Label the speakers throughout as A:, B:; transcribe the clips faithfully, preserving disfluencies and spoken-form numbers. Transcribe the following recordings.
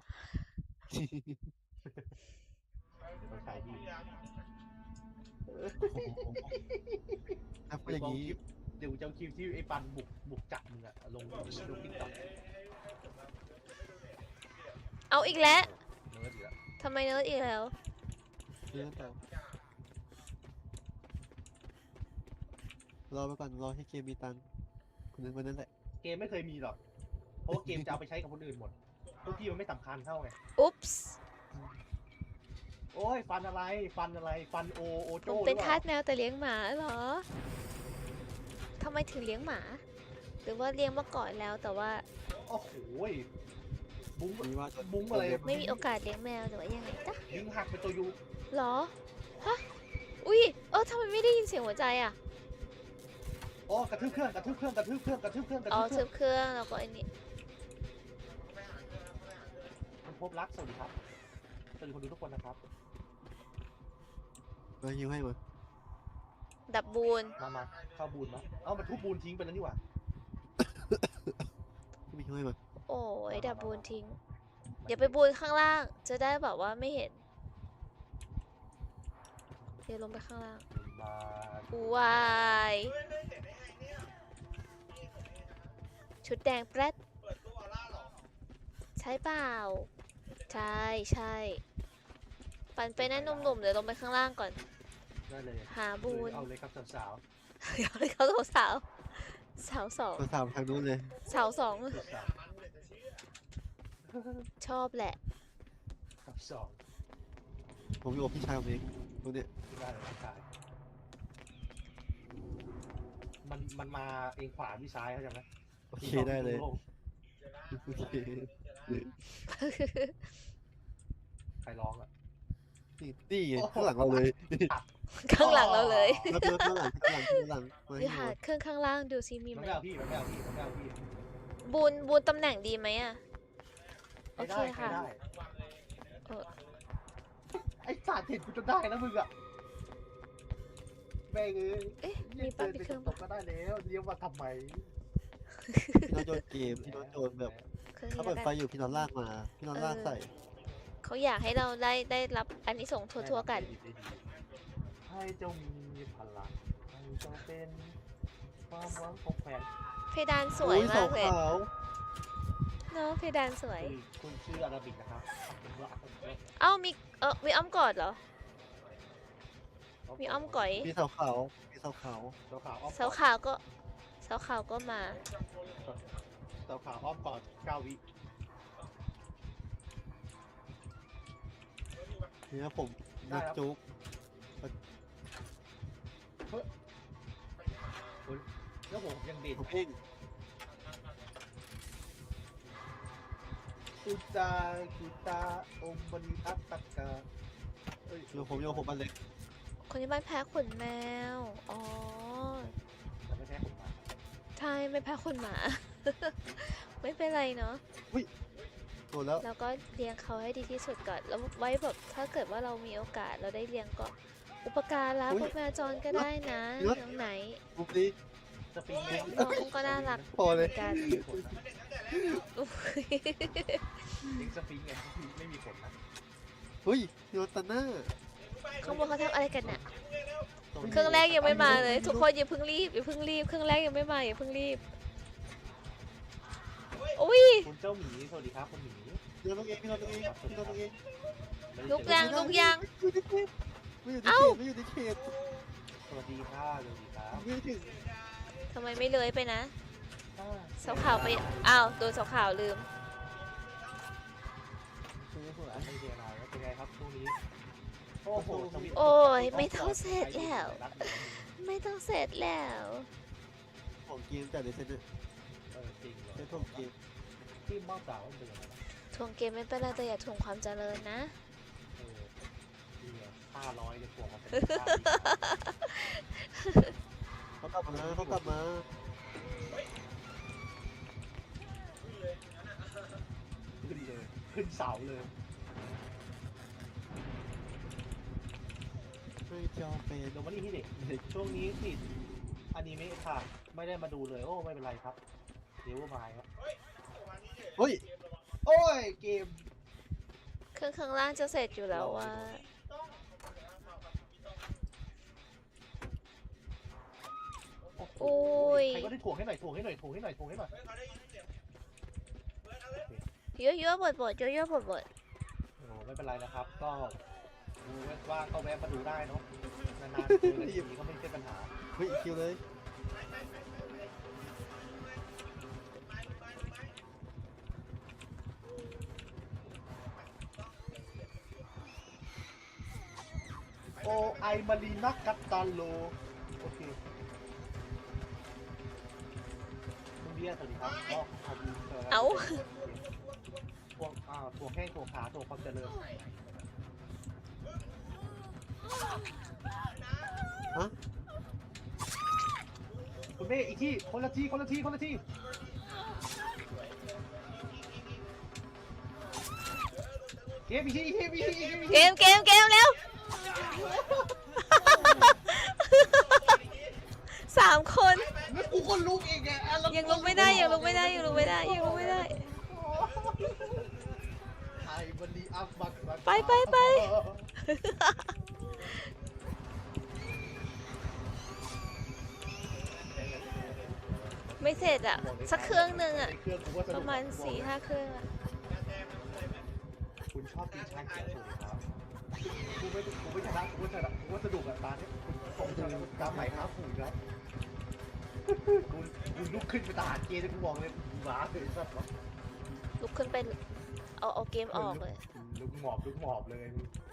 A: นะเราใช้ดี
B: ถ้าพูด
A: เดี๋
B: อ
A: ยว
B: ย่าง
A: เอา
B: นี้
A: คลิปเดี๋ยวจะเอาคลิปที่ไอ้ปันบุกบุกจับมึงอะลงลงติ๊กต็อก
C: เอาอีกแล้ว
A: เนิร์ดอีกแล้ว
C: ทำไมเนิร์ดอีกแล้ว
B: เรื่องต่อรอไปก่อนรอให้เกมมีตังค์คนนั้นคนนั้นแหละ
A: เกมไม่เคยมีหรอกเพราะว่าเกมจะเอาไปใช้กับคนอื่นหมดพวกพี่มันไม่สำคัญเท่าไง
C: อุ๊ปส์
A: โอ้ยฟันอะไรฟันอะไรฟันโอโอ
C: ผ
A: โจ้
C: ม
A: ห
C: เป็น
A: รือเป
C: ทา
A: ล่า
C: สแมวแต่เลี้ยงหมาเหรอทำไมถึงเลี้ยงหมา หรือว่าเลี้ยงมาก่อนแล้วแต่ว่า
A: โอ้โหบุ้ง
B: มีว่าจะ
A: บุ้งอะไร
C: ไม่มีโอกาสเลี้ยงแมวหรือว่ายังไงจ๊ะ
A: ลิงหักเป็นตัวยู
C: หรอ ฮะ อุ้ย เออทำไมไม่ได้ยินเสียงหัวใจอ่ะ
A: อ๋อกระทืบเครื่องกระทืบเครื่องกระทืบเครื่องกระทืบเครื่องกระ
C: อ๋อ
A: ทืบเค
C: ทึ
A: รื่อง
C: บเครื่องแล้วก็อันนี้
A: คุณพบรักสวัสดีครับสวัสดีคนดูทุกคนนะครับ
B: มาฮิวให้มา
C: ดับบูน
A: มามาเข้าบูนมาเอ้ามันทุบบูนทิ้งไปแล้วนี่หว่า
B: ไม่ฮิวให้มา
C: โอ้ยดับบูนทิ้ง อย่าไปบูนข้างล่าง จะได้แบบว่าไม่เห็น เดี๋ยวลงไปข้างล่าง
A: มา
C: วาย ชุดแดงแปรดใช่เปล่า ใช่ใช่ปั่นไปนั่นหนุ่มๆเดี๋ยวลงไปข้างล่างก่อน
A: ได้เลย
C: หาบูน
A: เอาเลยครับสาว
C: เดี๋ยวเลยเขาสาวสาวสอง
B: ตัวสามทางนู้นเลย
C: สาวสอง
A: ๆสาว
C: ชอบแหละ
A: ๆครับสอง
B: ผมอยู่กับพี่ชายผมเองตรงเนี้ย
A: ได้เลยครับชายมันมันมาเองขวาพี่ซ้ายเขาใจไหม
B: โอเคได้เลย
A: โง
B: โอเค
A: ใครร้องอ่ะ
B: นี่นี่ไงข้างหลังเราเลย
C: ข้างหลังเราเลย
B: แล้วตัวข้างหลังข้างหลังข้างหลังมา
C: หรือ
B: ให้
C: หา
B: มา
C: เครื่องข้างล่างดูซิมี
A: มัน
C: ไหม
A: ไม่เอาพี่มันไม่เอาพี่มันไม่เอาพี่
C: บูนบูนตำแหน่งดีไหมอะโอ
A: ใคร
C: เค
A: ได้ใคร
C: ค่ะ
A: ได้
C: เออ
A: ไอ้สัตว์เห็นกูจนได้แล้วมึงอ่ะแม่งเอ้ย
C: เอ๊ะมีปั๊บอีกเครื่อง
A: ต
C: ปะ
A: กก็ได้แล้วเลี้ยวมาทำไม
B: พี่น้องโยนเกมพี่น้องโยนแบบ
C: เครื่อง
B: เขา
C: นี้
B: เปิด
C: แล้ว
B: ไฟ
C: กัน
B: อยู่พี่น้องลากมาพี่น้องลากใส่
C: เขาอยากให้เราได้ได้รับอันนี้ส่งส์ทั่วๆกัน
A: ให้เจ้ามีพลังให้เจ้าเป็นความหวังของแฟน
C: เพดานสวย
B: อุ้
C: มากเลย
B: ขาว
C: เนาะเพดานสวย
A: คุณคุณชื่ออาราบิกนะครับผมว่า
C: เอ้ามีเออมีอ้อมกอดเหรอ มีอ้อมก๋อย
B: มีเสาขาวมีเสาขาว
A: เสาขาวอ้อม
C: เสาขาวก็เสาขาวก็มา
A: เสาขาวอ้อมกอดเก้าวิ
B: เนี่ยผมนักจุก
A: แล้วผมยังเด็ด
B: ผมเอง
A: ตุจาคิตาอมบริอัตตกาเอ้ย
B: โยผมโยผมมันเล็ก
C: คนที่บ้านแพ้ขนแมว อ๋อ
A: แต่ไม่ใช่ผมมา
C: ใช่ไม่แพ้ขนหมา ไม่เป็นไรเนาะ
B: โดนแล้ว
C: แล้วก็เลี้ยงเขาให้ดีที่สุดก่อน แล้วไว้แบบถ้าเกิดว่าเรามีโอกาสเราได้เลี้ยงก็ อุปการะพวกแมวจรก็ได้นะน้องไหน
B: ปุ๊บนี้
A: สปริงเอง
C: น้องก็น่ารัก
B: พอเลย
C: กันอุ๊ย
A: เองสปริงเองไม่มีผลนะ
B: เฮ้ยโยนตันหน้า
C: ข้างบนเขาทำอะไรกันน่ะ เครื่องแรกยังไม่มาเลย ทุกคนอย่าเพิ่งรีบอย่าเพิ่งรีบเครื่องแรกยังไม่มาอย่าเพิ่งรีบอุ้ย
A: คุณเจ้าหมีสวัสดีครับคุณหมี
B: โยนตัวเองพี่โยนตัวเองพี่โยนตัวเอง
C: ลุกยังลุกยัง
B: ไม่อยู่ใน
C: เอ้า
B: เขตไม่อยู่ในเขต
A: สวัสดีค่ะสวัสดีครับ
B: ไม่ถึง
C: ทำไมไม่เลยไปนะเสาขาวไปอ้าวโดนเสาขาวลืม
A: ซื้อหัวไม่เดียนายเป็นไงครับช่วงนี้โอ้โหสวิตช์
C: โอ้ยไม่ต้องเสร็จแล้ว ไม่ต้องเสร็จแล้ว
B: ของเกมแต่ในเซ็นเตอร์
A: เออจริงเลย
B: เซ็นของเกม
A: ที่บ้าสาวเป็นยังไงนะ
C: ทวงเกมไม่เป็นไรแต่อย่าทวงความเจริญนะ
A: เออนี่ไงห้าร้อยจะพวงมาเป็น
B: เขากลับมาเขากลับมา
A: ขึ้นเลยขึ้นเสาเลย
B: ไม่จอเป็น
A: เดี๋ยววันนี้ที่เด็กช่วงนี้ติดอนิเมะค่ะ ไม่ได้มาดูเลยโอ้ไม่เป็นไรครับเดี๋ยวมาครับ
B: เฮ้ย
A: โอ้ยเกม
C: เครื่องข้างล่างจะเสร็จอยู่แล้วว่า
A: โอ้
C: โอ้ย
A: ใครก็ได้ถ่วงให้หน่อยถ่วงให้หน่อยถ่วงให้หน่อยถ่วงให้หน่อย
C: เยอะเยอะๆบดบดเยอะเยอะๆบดบด
A: โอ้ไม่เป็นไรนะครับ ก็ดูว่าก็แวะมาดูได้เนาะนานๆเจอกันทีก็ไม่ใช่ปัญหา
B: เฮ้ยอีกคิวเลย
A: โอไอมารีนักกัตตาโลโอเคมึงเรียกสวัสดีครับก็ขอบคุณครับ
C: เอา
A: พวกอ่าถั่วแห้งถั่วขาถั่วความเจริญ
B: ฮะ
A: คุณเมย์อีกที่คนละที่คนละที่คนละที่เกมอีกที่อีกที่อีกที่อีกที่
C: เกมเกมเกมเร็ว สามคน
A: แล้วกูก็ลุกอีกอ่ะแล้ว
C: ยังลุกไม่ได้ยังลุกไม่ได้ยังลุกไม่ได้ยังลุกไม่ได้
A: ไอ้บันดีอัพบักบัก
C: ไปไปไป ไม่เสร็จอะสักเครื่องหนึ่งอะ
A: เครื่องกูก็ส
C: ป
A: นุก
C: ระมาณสี่ห้าเครื่องอะ
A: คุณชอบกินชาเขียวถูกไหมครับกูไม่กูไม่ชนะกูไม่ชนะกูว่าสนุกอ่ะตาเนี้ยคุณผมชนะกำไหนครับผูกครับคุณคุณลุกขึ้นเป็นทหารเกณฑ์เลยกูบอกเลยหมาเลยสัตว์
C: ลุกขึ้นไปเอาเอาเกมออกเลย
A: ลุกหมอบลุกหมอบเลย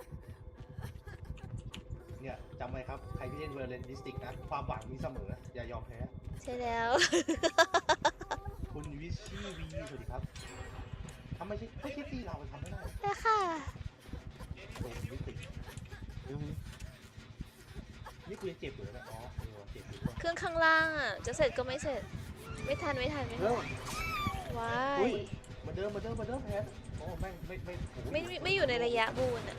A: เนี่ยจำไว้ครับใครที่เล่นเวอร์เรนดิสติกนะความหวังมีเสมออย่ายอมแพ้
C: ใช่แล้ว
A: คุณวิชี่วีสวัสดีครับทำไมใช่ไม่ใช่ตีเราทำไม่ได้
C: ได้ค่ะ
A: โดนวิติ
B: เดี๋ยวนี้
A: นี่กูยังเจ็บอยู่เลยนะอ๋อเออเจ็บอยู่ด้วย
C: เครื่องข้างล่างอะจะเสร็จก็ไม่เสร็จ ไม่ทันไม่ทันไม่ทั
B: เร็
C: น
B: ว
C: ว้า
B: อุ๊
C: ย
B: ย
A: มาเดิมมาเดิมมาเดิมแพ้โอ้แม่งไม่ไม่โอ้โห
C: ไม่ไม่ไม่อยู่ในระยะบูนอะ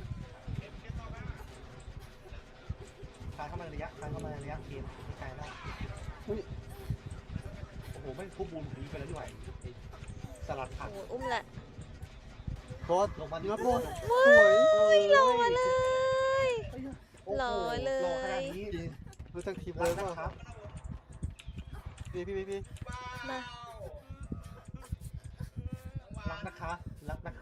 A: คานเข้ามาในระยะคานเข้ามาในระยะเกมไม่ไกลแล้ว
B: อุ้ย
A: โอ้โหแม่งควบบูนผีไปแล้วด้วยไอ้สลัดผัก
C: โอ้โหอุ้มละ
B: บอส
A: ลงมา
B: นี่ครับ
A: โอ้
B: บอส
C: ว้
B: สวย
C: ายหล่อเลย
A: โอ้โ
C: หล่อเลย
A: หล่อขนาดนี้
B: รู้จักทีม
A: รั
B: เล
A: ก
B: ย
A: นะ
B: ป่ะ
A: ครับ
B: พี่พี่พี่พี่
C: มา
A: รักนะคะรักนะคะ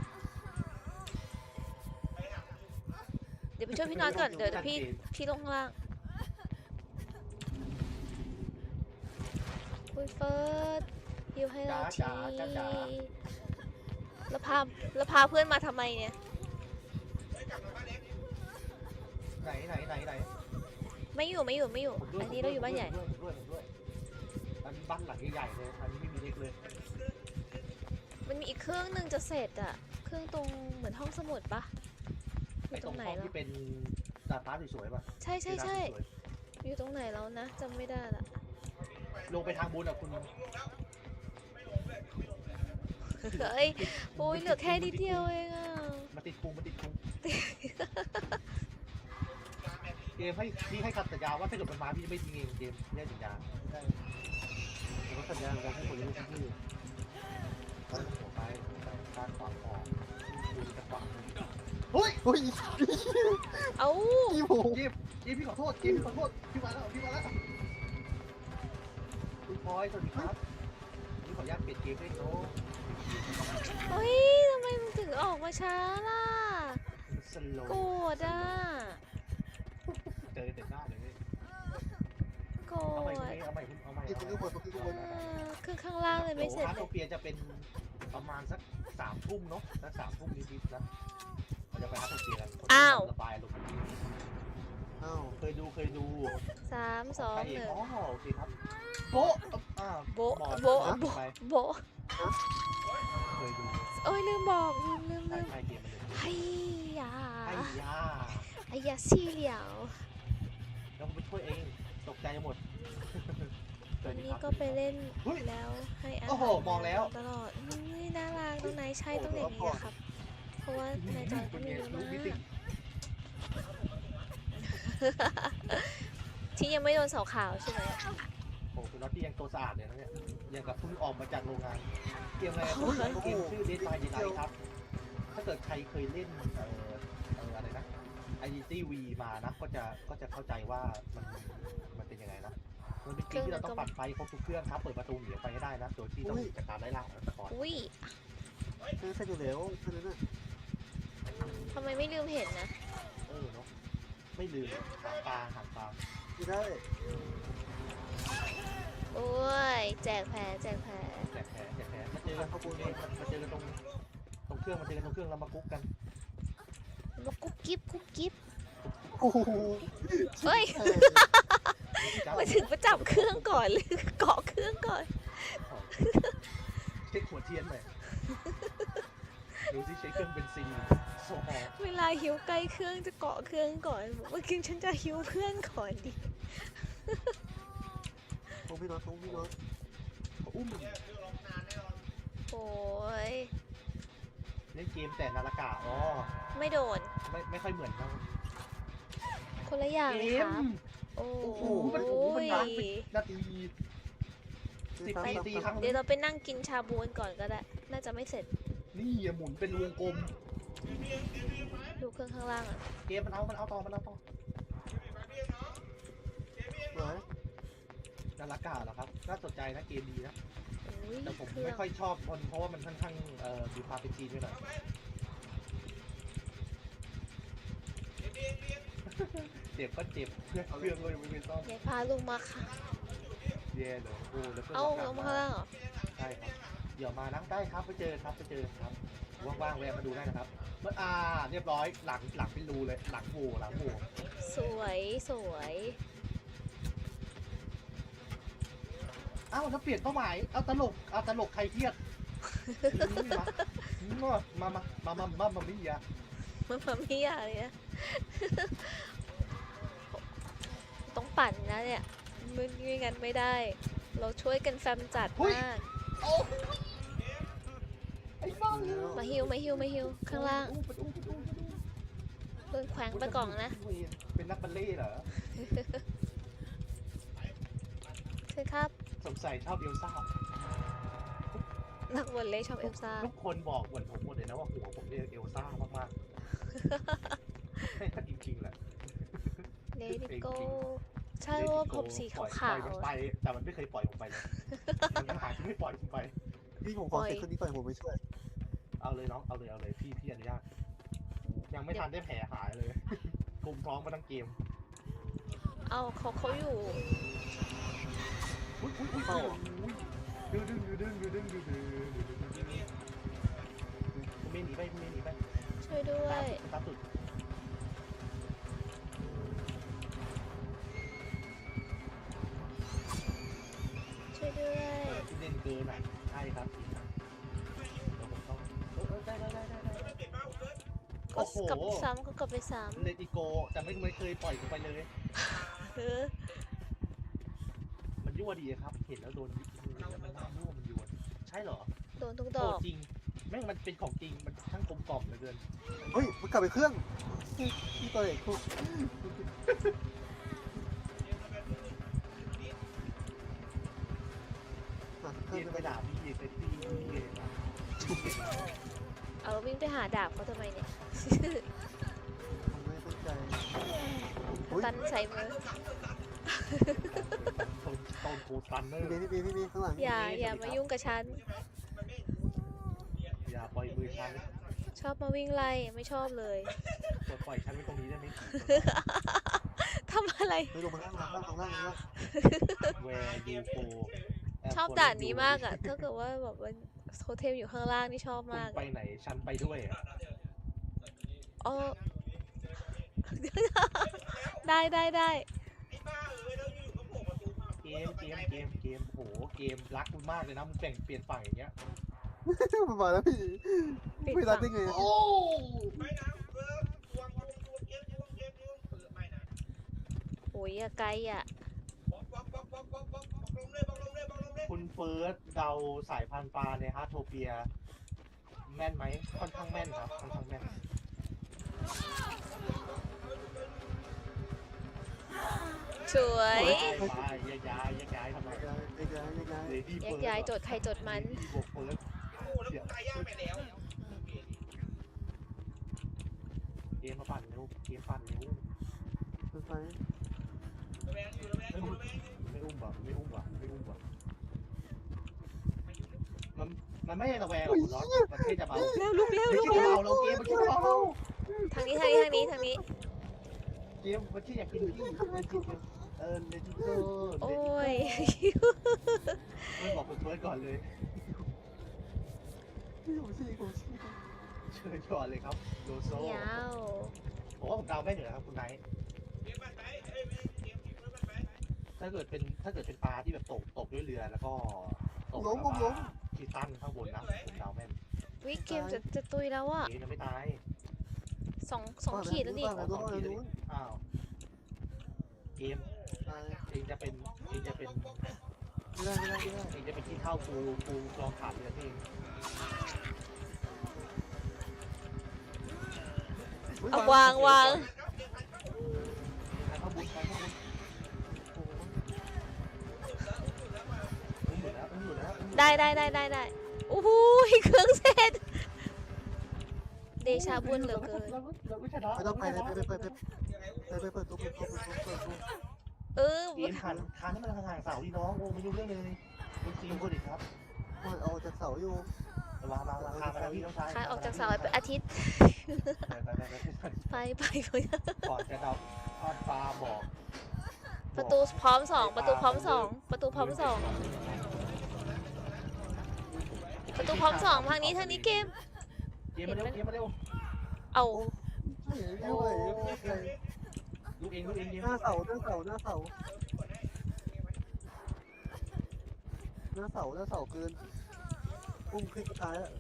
C: เดี๋ยวไปช่วยพี่น็อตก่อน เดี๋ยวเดี๋ยวพี่พี่ลงข้างล่างคุยเฟิร์สฮิวให้เราทีแล้วพาแล้วพาเพื่อนมาทำไมเนี่ย
A: ไหนไหนไหนไหน
C: ไม่อยู่ไม่อยู่ไม่อยู่
A: ผมด้วย
C: อันนี้เราอยู่บ้านใหญ่
A: ผมด้วยผมด้วยผมด้วยอันนี้บ้านหลังใหญ่ๆเลยอันนี้ไม่มีเล็กเลย
C: มันมีอีกเครื่องหนึ่งจะเสร็จอะเครื่องตรงเหมือนห้องสมุดปะอ
A: ไอ้
C: ยู่
A: ต
C: ต
A: ร
C: รง งไหน
A: ห้อง
C: แล้ว
A: ที่เป็นดาดฟ้าสวยๆป่ะ
C: ใช่ใช่ใช่
A: ที่ร้านสวย
C: อยู่ตรงไหนแล้วนะจำไม่ได้ละ
A: ๆลงไปทางบุญอ่ะคุณ
C: เฮ้ยโอ้ยเหลือแค่นิดเดียวเองอะ
A: มาติดพุงมาติดพุงเกมให้พี่ให้คำสัญญาว่าถ้าเกิดมันมาพี่จะไม่ทิ้งเองเกมพี่ให้สัญญา
B: ได้ผมก็สัญญาเหมือนกันให้คนรู้ที่นี่
A: ตั้งหัวไปไปการขวางคอดูจะขวางเฮ้ย
B: อุ้ย
C: เอ้า
B: พี่ผม
A: เกมเกมพี่ขอโทษเกมพี่ขอโทษพี่มาแล้วพี่มาแล้วคุณพลอยสวัสดีครับนี่ขออนุญาตเปลี่ยนเกมให้โน้
C: เฮ้ยทำไมมึงถึงออกมาช้าล่ะ
A: สโล
C: โกรธอ่ะ
A: เจอเต็มหน้าเลย
C: โกร
A: เอาใหม่
C: ธ
A: เอาใหม่เอาใหม่
B: พี่ตรงนี้หมดตรงนี้ทุกคน
C: เออเครื่องข้างล่างเลยไม่เสร็จ
A: คา
C: เล
A: โต
C: ย
A: เปียจะเป็นประมาณสักสามทุ่มเนาะสักสามทุ่มนิดๆนะเราจะไปคาโตเปียกันระบายลง
B: อ้าว
A: เคยดูเคยดู
C: สามสองหนึ่ง
A: อ๋อโอเคครับโบ๊ะอ่า
C: โบ๊ะ
A: หมอน
C: โบ๊ะ
A: หมอน
C: โบ๊ะ
A: ไป
C: โบะ
A: เคยดู
C: โอ้ยลืมบอกลืมลืม
A: ใช่
C: ลืม
A: ใช่เกมมันเลย
C: ไอ้ยา
A: ไอ้ยา
C: ไอ้ยาซี่เหลียว
A: แล้วผมไปช่วยเองตกใจหมด
C: วันนี้ก็ไปเล่นแล้วให้อา
A: โอ้โห
C: หาร
A: มองแล้ว
C: ตลอดนี่น่ารักตรงไหนใช่ตรงไหนนี่นะครับ เพราะว่าในจอยก็มีเยอะมากที่ยังไม่โดนเสาขาวใช่ไหม
A: โอ้คุณน็อตที่ยังตัวสะอาดเลยนะเนี่ยยังกับเพิ่งออกมาจากโรงงานเกมอะไรเกมชื่อ Dead by Daylight ครับถ้าเกิดใครเคยเล่นเออเอออะไรนะ Identity V มานะก็จะก็จะเข้าใจว่ามันมันเป็นยังไงนะมันเป็นเกมที่เราต้องปัดไฟครบทุกเครื่องครับเปิดประตูหนีออกไปให้ได้นะโดยที่ต้องจัดการไล่ล่าของตะกอน
C: อุ้ย
B: เออใช่อยู่แล้วแค่นั้นน่ะ
C: ทำไมไม่ลืมเห็นนะ
A: เออเนาะไม่ลืมหางปลาหางปลา
B: ไม่ได้
C: โอ้ย แจกแผลแจกแผล
A: แจกแผลแจกแผลมาเจอกันข้าวปูนเองมาเจอกันตรงตรงเครื่องมาเจอกันตรงเครื่องแล้วมากุ๊กกัน
C: มากุ๊บกิ๊บกุ๊บกิ๊บ
B: โอ้โห
C: เฮ้ย
A: จ้า
C: มาถึงมาจับเครื่องก่อนหรือเกาะเครื่องก่อน
A: เช็คหัวเทียนหน่อยดูที่ใช้เครื่องเบนซินโซฮอล์
C: เวลาหิวใกล้เครื่องจะเกาะเครื่องก่อนบอกว่าคิงฉันจะหิวเพื่อนก่อนดิ
B: โอ้พี่น็อตโอ้พี่น็อต
A: อุ้ม
C: โอ้ย
A: เล่นเกมแต่นาฬิกาอ๋อ
C: ไม่โดน
A: ไม่ไม่ค่อยเหมือนกัน
C: คนละอย่าง
A: เก
C: เลยค
A: ม
C: รับ โอ้
A: โอ้
C: โห
A: โหมันโอ้โหมันนานเป็นนาที สิบปีตีครั้ง
C: เดี๋ยวเราไปนั่งกินชาบูกันก่อนก็ได้ น่าจะไม่เสร็จ
A: นี่อย่าหมุนเป็นวงกลม
C: ดูเครื่องข้างล่างอ่ะ
A: เกมมันเอา มันเอาต่อ มันเอาต่อ
B: เหรอ
A: นาฬิกาเหรอครับ น่าสนใจนะเกมดีนะ
C: โอ้ย
A: แต่ผม
C: เครื่อ
A: ไม่
C: ง
A: ค่อยชอบมันเพราะว่ามันค่อนข้างเอ่อมีความเป็นจีนด้วยหน่อยเจ็บก็เจ็บเพื่อนเครื่องก็ยังไม่เป็นซ่อม
C: ยายพาลงมาค่ะ
A: แย่เลยโอ้แล้วเพื่อน
C: เอ้า
A: บอกก
C: ล
A: ลับ
C: งมาข้างล่างเหรอ
A: ใช่ครับเดี๋ยวมานะได้ครับไปเจอครับไปเจอครับว่างๆแวะมาดูได้นะครับเมื่ออ่าเรียบร้อยหลังหลังเป็นรูเลยหลังโหว่หลังโหว่
C: สวยสวย
A: เอ้าแล้วเปลี่ยนเป้าหมายเอาตลกเอาตลกใครเครียดอืมมามามามามามามามี่อะ
C: มันมาไม่ยากเลยนะ ต้องปั่นนะเนี่ยมึงไม่งั้นไม่ได้ เราช่วยกันแฟมจัดมาก
A: โอ้ไอ้บ้า
C: มาฮิวมาฮิวมาฮิวข้างล่าง
A: ไปดูไปดูไปดู
C: โดนแขวงไปกล่องนะ
A: เป็นนักบัลเล่ต์เหรอ
C: ใช่ครับ
A: สงสัยชอบเอลซ่า
C: นักวอลเลย์ชอบเอลซ่า
A: ทุกคนบอกเหมือนผมหมดเลยนะว่าหัวผมเนี่ยเอลซ่ามากๆจริงๆแหละ
C: เลดี้โกใช่ว่าผมสีขาว
A: ปล่อยมันไปแต่มันไม่เคยปล่อยผมไปเลยมันยังหาที่ไม่ปล่อยผมไป
B: พี่ผมขอเสร็จคนนี้ก่อนผมไปช่วย
A: เอาเลยน้องเอาเลยเอาเลยพี่พี่อนุญาตยังไม่ทันได้แผลหายเลยกุมท้องมาทั้งเกม
C: ๆเอาเขาเขาอยู่
A: อุ้ยอุ้ยอุ้ยดึงดึงดึงดึงดึงดึงดึงดึงดึงคุณเมย์หนีไปคุณเมย์หนีไป
C: ช่วยด้วย
A: ตามสุด
C: ช่วยด้วย
A: ที่เล่นเกินอ่ะใช่ครับเดี๋ยวผมต้องเออได้ได้ได้ได้ได้
C: ก็
A: โอ้โห
C: กลับไปซ้ำก็กลับไปซ้
A: เลติโกแต่ไม่ไม่เคยปล่อยผมไปเลย
C: ำเออ
A: มันยั่วดีครับ เห็นแล้วโดนยิงแล้วมันน่ายั่วมันยั่วใช่เหรอ
C: โดนทุกด
A: โอ้
C: อก
A: จริงแม่งมันเป็นของจริงมันช่างกลมกล่อมเหลือเกิน
B: เฮ้ยมันกลับไปเครื่องพี่ตัวเอกพูดอ่ะเค
A: เก
B: รื่อง
A: ม
B: จะ
A: ไป
B: ไป
A: ด่าพี่เซตตี้พี่เลยนะ
C: เอาวิ่งไปหาดาบเขาทำไมเนี่ย
B: ผมไม่ตั้งใจอุ้ย
C: ตันใส่มือ
A: โดนโดนโคซันเนอ
B: พี่
A: ร์
B: เบย์พี่เบย์พี่เบย์ข้างหลัง
C: อย่าอย่ามายุ่งกับฉัน
A: อย่าปล่อยมือฉัน
C: ชอบมาวิ่งไล่ไม่ชอบเลย
A: ปล่อยปล่อยฉันไว้ตรงนี้ได้ไหม
C: ทำอะไร
B: ไปลงมาล่างล่างล่างล่างล่างล่าง
A: แวร์ยูโฟ
C: ชอบด่านนี้มากอ่ะ ถ้าเกิดว่าแบบว่าโฮเทลอยู่ข้างล่างนี่ชอบ
A: คุณ
C: มาก
A: ไปไหนฉันไปด้วยอะ
C: อ๋อ ได้ได้ได้
A: เกมเกมเกมเกมโหเกมรักคุณมากเลยนะมึงแบ่งเปลี่ยนฝั่งอย่างเงี้ย
B: มันมาแล้วพี่
C: ปิด
B: ไม่รั
C: ฝั่
B: บ
C: ง
B: ได้ไง
A: โอ้
C: โอ้ยอย่าไกลอ่ะ
A: คุณเฟิร์สเดาสายพันธุ์ปลาในฮาร์ทโทเปีย แม่นไหมค่อนข้างแม่นครับค่อนข้างแม่น
C: สวย
A: ไปแยกย้ายแยกย้ายทำไม
B: ย้ายย้ายย้าย
A: เลดี้
C: แย
A: เฟิ
C: ก
A: ร์ส
C: ย้ายโจทย์ใครโจทย์มัน
A: บวกเฟิร์สเดี๋ยวมมาปั่นเร็วเกมปั่นเร็ว
B: เป็นไฟ
A: ไม่อุ้มไม่อุ้มว่ะไม่อุ้มว่ะไม่อุ้มว่ะมันมันไม่ได้ระแวงหรอกคุณน็อตมันแค่จะเบา
C: เร็วลุกเร็ว
A: ไม่
C: ลุก
A: ใช่
C: เร็ว
A: เบาเราเกมมันแค่เบา
C: ทางนี้ทางนี้ทางนี้ทางนี้
A: เกมมันแค่อยากกินที่เออเลจิโก้
C: โอ้ย
A: ไม่บอกคุณทวดก่อนเลย
B: พี่ผมชี้ผมชี้
A: เชิญก่อนเลยครับโลโซ
C: เหนียว
A: ผมว่าผมเดาไม่เหนือครับคุณไนท์ถ้าเกิดเป็นถ้าเกิดเป็นปลาที่แบบตกตกด้วยเรือแล้วก็ตก
B: ล้มผมล้ม
A: ที่ตั้งข้างบนนะผมเดาแม่น
C: วิเกมจะจะตุยแล้วอ่ะ
A: เกมยังไม่ตาย
C: สองสองขีดแล้วนี่
B: บ้านไหนบ้านไหนนู้น
A: อ้าวเกม
B: ตาย
A: เองจะเป็นเองจะเป็น
B: ไม่ได้ไม่ได้ไม่ได้
A: เองจะเป็นที่เท่ากูกูลองขาดเรือเอง
C: เอาวางวาง
A: ใครเข้าบุญใครเข้าบุญอุ้มอยู่แล้วอุ้มอยู่แล้วอุ้มอยู่แล้ว
C: ได้ได้ได้ได้ได้โอ้โหเครื่องเสร็จเดชาบุญเหลือเกิน
A: เราก็เราก็ชนะ
B: ไม่ต้องไปเลยไปไปไปไปไปเปิดตู้เปิดตู้เปิดตู้เปิดตู้
C: เออ
A: เกมคันคันให้มันห่างๆเสาดีน้องโอ้ไม่รู้เรื่องเลยคุณซีมคนอีกครับ
B: มันเอาจากเสาอยู่
A: มามามาคานมาแล้วพี่น้องชาย
C: คายออกจากเสาเป็นอาทิตย์
A: ไปไปไปไป
C: ไปไปไป
A: ก่อนจะเดาทอดปลาบอก
C: ประตูพร้อมสองประตูพร้อมสองประตูพร้อมสองประตูพร้อมสองทางนี้ทางนี้เกม
A: เกมมาเร็วเกมมาเร็ว
C: เอา
B: ไม่เห็นไม่ไหว
A: ลูกเองลูกเองเกม
B: หน้าเสาหน้าเสาหน้าเสาหน้าเสาหน้าเสาเกินอุ้มขึ้นสุดท้ายอ่ะ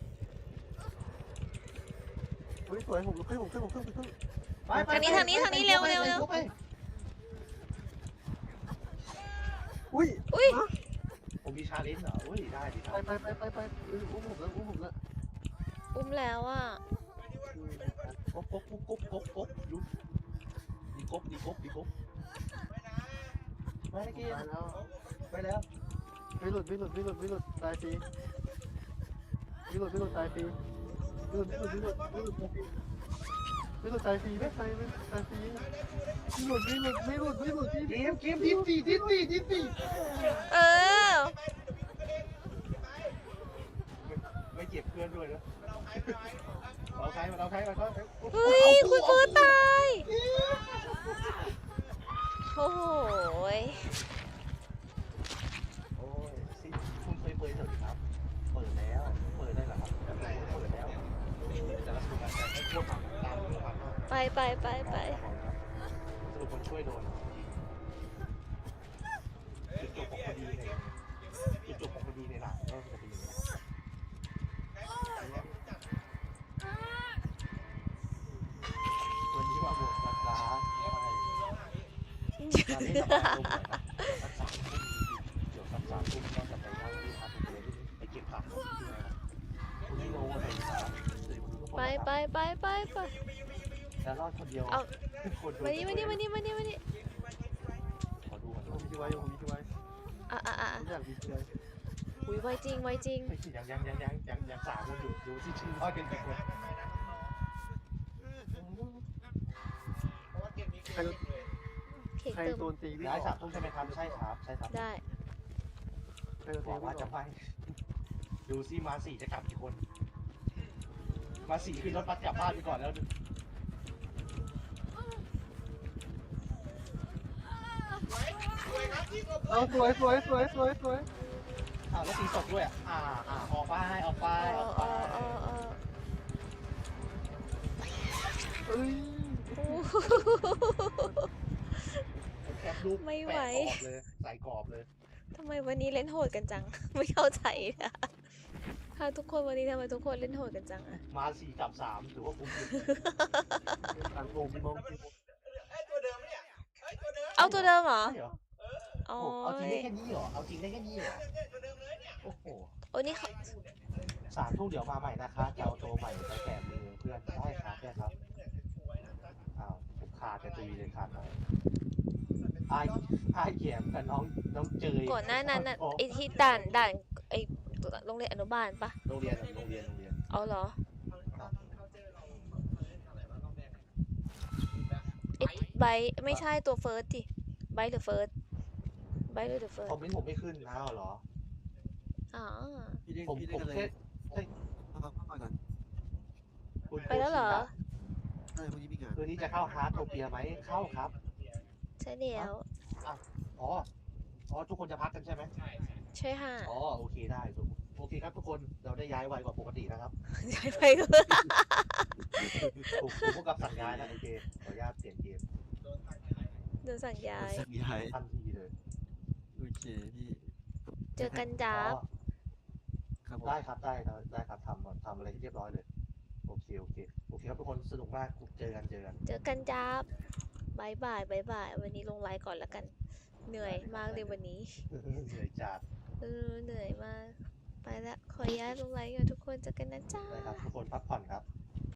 B: เฮ้ยสวยผมลุกขึ้นผมขึ้นผมขึ้นผมขึ้น
C: ทางนี้ทางนี้ทางนี้เร็วเร็วเร็ว
B: อุ้ย
C: อุ้ย
A: ผมมีชาเลนจ์เหรออุ้ยได้ดิค
B: ไป
A: รับ
B: ไปไปไปไปอุ้มผมแล้วอุ้มผมแล้ว
C: อุ้มแล้วอ่ะ
A: กบกบกบกบกบกบลุกดีกบดีกบดีกบไปเกม
B: ตายแล้ว
A: ไปแล้ว
B: ไม่หลุดไม่หลุดไม่หลุดไม่หลุดตายฟรีไม่หลุดไม่หลุดตายฟรีไม่หลุดไม่หลุดไม่หลุดไม่หลุดไม่หลุดตายฟรีไม่ตายไม่ตายฟรีไม่หลุดไม่หลุดไม่หลุดไม่หลุด
A: เกมเกมดิสตีดิสตีดิสตี
C: เออ
A: ไม่เก็บเพื่อนด้วยนะเราใครมาเราใครมาเขา
C: เฮ้ยคุณเฟิร์สตายโอ้โหย
A: โอ้ยซิคุณเคยเปิดเถอะครับเปิดแล้วเปิดได้เหรอครับเปิดแล้วแต่ละสูตรการให้พวกทำตามเรื่องความ
C: ไปไปไปไป
A: สรุปคนช่วยโดนจุดจบของคดีในจุดจบของคดีในหนังก็จะเป็นอย่างนี้วันนี้ว่าบวชรักร้าใช่การเล่นระบายลมหน่อยนะสักสามทุ่มเดี๋ยวสักสามทุ่มก็จะไปนั่งที่พักผมเลยไปเก็บผักที่ไหนครับคุณนี่โน้ตเลยครับ
C: ไปไปไปไปไป
A: แล้วรอดคนเดียว
C: เอา
A: คน
C: มานี่มานี่มานี่มานี่มานี่
A: ขอดูก่อน
B: ผมมีที่ไว้ผมมีที่ไว้
C: อ่ะอ่ะอ่ะ
B: ผมอยากมีที่ไว้
C: อุ้ยไวจริงไวจริง
A: ไม่ใช่ยังยังยังยังยังยังสามคนอยู่ดูที่ชื่อรอดกันกี่คน
B: ใคร
C: เค้ก
B: ใคร
C: เติม
B: โดนตีวิ่ง
A: ย้าย
B: อ
A: สา
B: อ
A: ม
B: ก
A: ทุ่มใช่ไหมครับใช่ครับใช่ครับ
C: ได้
B: ใครโดน
A: บ
B: ตี
A: อก
B: วิ่
A: ว่าง
B: อ
A: จะ
B: อก
A: ไปดูซิมาสี่จะกลับกี่คน มาสี่ขึ้นรถบัสกลับบ้านไปก่อนแล้ว
B: เอาสวยสวยสวยสวยสวย
A: อ้าวแล้วตีศพด้วยอ่ะอ่าอ่าออกไปออกไป
C: เอ
A: อ
C: อ
A: อก
C: เอ
A: ไป
C: อเออเออ
B: เอ้ย
C: โอ้โห
A: แคปรูป
C: ไม่ไหว
A: แปะกรอบเลยใส่กรอบเลย
C: ทำไมวันนี้เล่นโหดกันจัง ไม่เข้าใจนะค่ะทุกคนวันนี้ทำไมทุกคนเล่นโหดกันจังอะ
A: มาสี่กลับสามถือว่าคุ้มอยู่
B: ต่างโมงมอง
C: เอาตัวเดิมเหรอ
A: ใช่เหรอ
C: อ๋อ
A: โอ้เอาจริงได้แค่นี้เหรอเอาจริงได้แค่นี้เหรอโอ้โห
C: โอ้นี่เขา
A: สามทุ่มเดี๋ยวมาใหม่นะคะจะเอาตัวใหม่ไปแกะมือเพื่อนได้ครับได้ครับอ้าวผมขาดกระตุยเลยขาดหน่อยไอ้ไอ้แยมกับน้องน้องเจย
C: ก่อนหน้านั้นน่ะ
A: โอ้
C: ไอที่ด่านด่านไอโรงเรียนอนุบาลปะ
A: โรงเรียนโรงเรียนโรงเรียน
C: เอาเหรอไบท์ไม่ใช่ตัวเฟิร์สดิไบท์หรือเฟิร์สไบท์หรือเฟิร์
A: คอ
C: ส
A: มเมนต์ผมไม่ขึ้นอ้าวเหรอ
C: อ๋อ
B: พี่เล่น
A: ผม
B: พี่
A: ผ
B: เล่น
A: ม
B: กันเลย
A: แค่ใช่
B: พักพักก่อน
A: คุณ
C: ไปแล้วเหรอ
B: ใช่พรุ่งนี้มีงาน
A: คืนนี้จะเข้าฮาร์ดโทเปียไหมเข้าครับ
C: ใช่แล้ว
A: อ๋ออ๋อทุกคนจะพักกันใช่ไหม
C: ใช่ค่ะ
A: อ๋อโอเคได้โอเคครับทุกคนเราได้ย้ายไวกว่าปกตินะครับ
C: ย้ายไปก็
A: ผมผมพวกกับสั่งย้ายนะโอเคขออนุญาตเปลี่ยนเกม
C: โดนสั่งย้าย
B: สั่งย้าย
A: ทันทีเลย
B: โอเคพี่
C: เจอกัน
A: อ๋
C: จ้าบ
A: อ
B: ครับผม
A: ได้ครับได้ครับได้ครับทำทำอะไรที่เรียบร้อยเลยโอเคโอเคโอเคครับทุกคนสนุกมากเจอกันเจอกัน
C: เจอกันจ้าบบายบายบายบาย วันนี้ลงไลน์ก่อนแล้วกัน เหนื่อยมากเลยวันนี้
A: เหนื่อยจัด
C: เออ เหนื่อยมาก ไปละ ขออนุญาตลงไลน์ก่อนทุกคน เจอกันนะจ้า
A: นะครับทุกคนพักผ่อนครับ